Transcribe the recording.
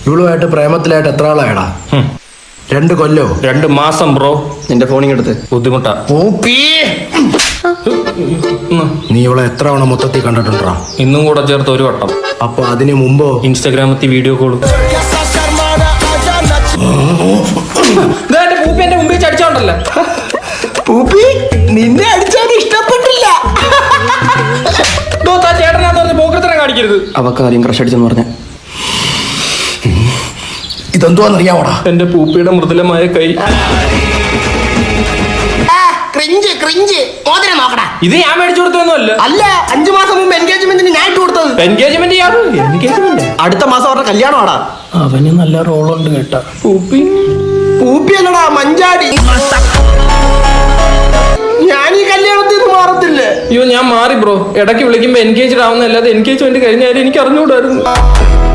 ഇവളുമായിട്ട് പ്രേമത്തിലായിട്ട് എത്ര ആളായടാ? 2 കൊല്ലോ? 2 മാസം ബ്രോ. നിന്റെ ഫോണിങ്ങെടുത്ത്. ബുദ്ധിമുട്ടാ. നീ ഇവളെ എത്ര തവണ മൊത്തത്തിൽ കണ്ടിട്ടുണ്ടാ? ഇന്നും കൂടെ ചേർത്ത് 1 വട്ടം. അപ്പൊ അതിന് മുമ്പോ ഇൻസ്റ്റാഗ്രാമത്തിൽ വീഡിയോ കോള്. പൂപ്പി എന്റെ മുമ്പിൽ ചടിച്ചോണ്ടല്ല. പൂപ്പി നിന്നെ അടിച്ചാൽ ഇഷ്ടപ്പെട്ടില്ല. ചേട്ടനാന്ന് പറഞ്ഞ പോക്കത്തിനെ കാണിക്കരുത്. അവക്ക് ആദ്യം ക്രഷ് അടിച്ചെന്ന് പറഞ്ഞ ഇതെന്തുവാന്നറിയാവോടാ? എന്റെ പൂപ്പിയുടെ മൃദുലമായ കൈ. ഇത് ഞാൻ മേടിച്ചു കൊടുത്തൊന്നുമല്ല. അല്ല, 5 മാസം മുമ്പ് എൻഗേജ്മെന്റിന് ഞാൻ ഇട്ട് കൊടുത്തത്. എൻഗേജ്മെന്റ് അടുത്ത മാസം അവരുടെ കല്യാണമാടാ. അവന് നല്ല റോളുണ്ട് കേട്ടാ. പൂപ്പി പൂപ്പിയല്ലടാ, മഞ്ചാടി. ഞാൻ ഈ കല്യാണത്തിൽ നിന്ന് മാറത്തില്ലേ? അയ്യോ, ഞാൻ മാറി ബ്രോ. ഇടയ്ക്ക് വിളിക്കുമ്പോ എൻഗേജ്ഡ് ആവുന്നല്ലാതെ എൻഗേജ്മെന്റ് കഴിഞ്ഞാലും എനിക്ക് അറിഞ്ഞുകൂടായിരുന്നു.